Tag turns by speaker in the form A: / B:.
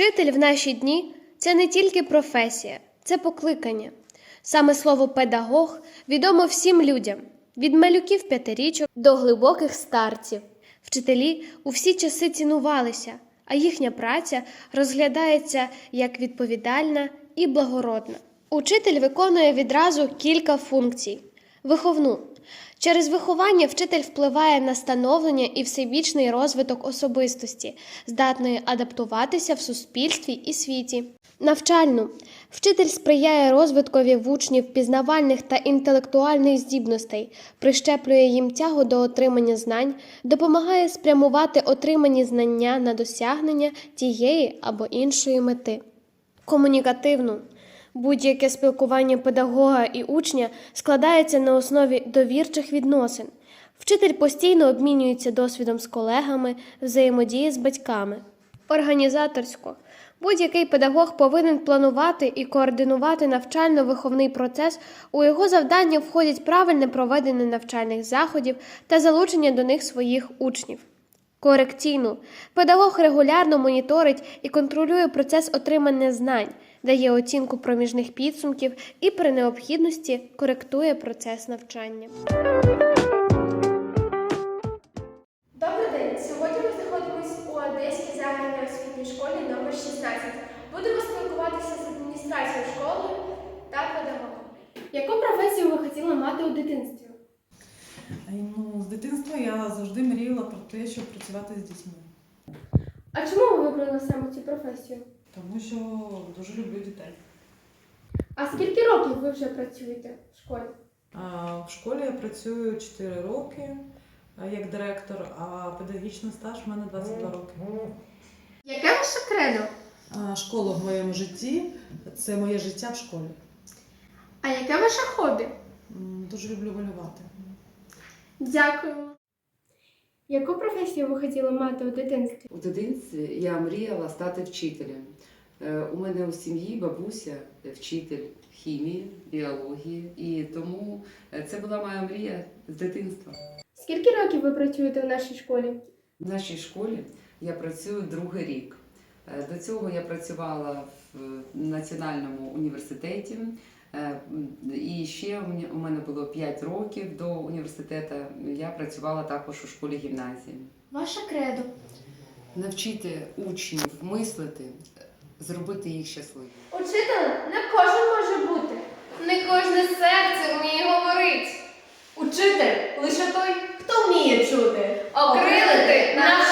A: Вчитель в наші дні – це не тільки професія, це покликання. Саме слово «педагог» відомо всім людям – від малюків-п'ятирічок до глибоких старців. Вчителі у всі часи цінувалися, а їхня праця розглядається як відповідальна і благородна. Учитель виконує відразу кілька функцій. Виховну. Через виховання вчитель впливає на становлення і всебічний розвиток особистості, здатної адаптуватися в суспільстві і світі. Навчальну. Вчитель сприяє розвиткові в учнів пізнавальних та інтелектуальних здібностей, прищеплює їм тягу до отримання знань, допомагає спрямувати отримані знання на досягнення тієї або іншої мети. Комунікативну. Будь-яке спілкування педагога і учня складається на основі довірчих відносин. Вчитель постійно обмінюється досвідом з колегами, взаємодіє з батьками. Організаторсько. Будь-який педагог повинен планувати і координувати навчально-виховний процес, у його завдання входять правильне проведення навчальних заходів та залучення до них своїх учнів. Корекційну. Педагог регулярно моніторить і контролює процес отримання знань, дає оцінку проміжних підсумків і при необхідності коректує процес навчання.
B: Добрий день! Сьогодні ми знаходимося у Одеській загальній освітній школі номер 16. Будемо спілкуватися з адміністрацією школи та педагогом. Яку професію ви хотіли мати у дитинстві?
C: З дитинства я завжди мріяла про те, щоб працювати з дітьми.
B: А чому ви вибрали саме цю професію?
C: Тому що дуже люблю дітей.
B: А скільки років ви вже працюєте в школі?
C: В школі я працюю 4 роки як директор, а педагогічний стаж в мене 22 роки.
B: Яке ваше кредо?
C: Школа в моєму житті – це моє життя в школі.
B: А яке ваше хобі?
C: Дуже люблю малювати.
B: Дякуємо. Яку професію ви хотіли мати у дитинстві?
D: У дитинстві я мріяла стати вчителем. У мене у сім'ї бабуся вчитель хімії, біології, і тому це була моя мрія з дитинства.
B: Скільки років ви працюєте в нашій школі?
D: В нашій школі я працюю другий рік. До цього я працювала в Національному університеті. І ще у мене було 5 років до університету. Я працювала також у школі-гімназії.
B: Ваше кредо.
D: Навчити учнів мислити, зробити їх щасливими.
B: Учителем не кожен може бути. Не кожне серце вміє говорити.
E: Учитель лише той, хто вміє чути. Окрилити наш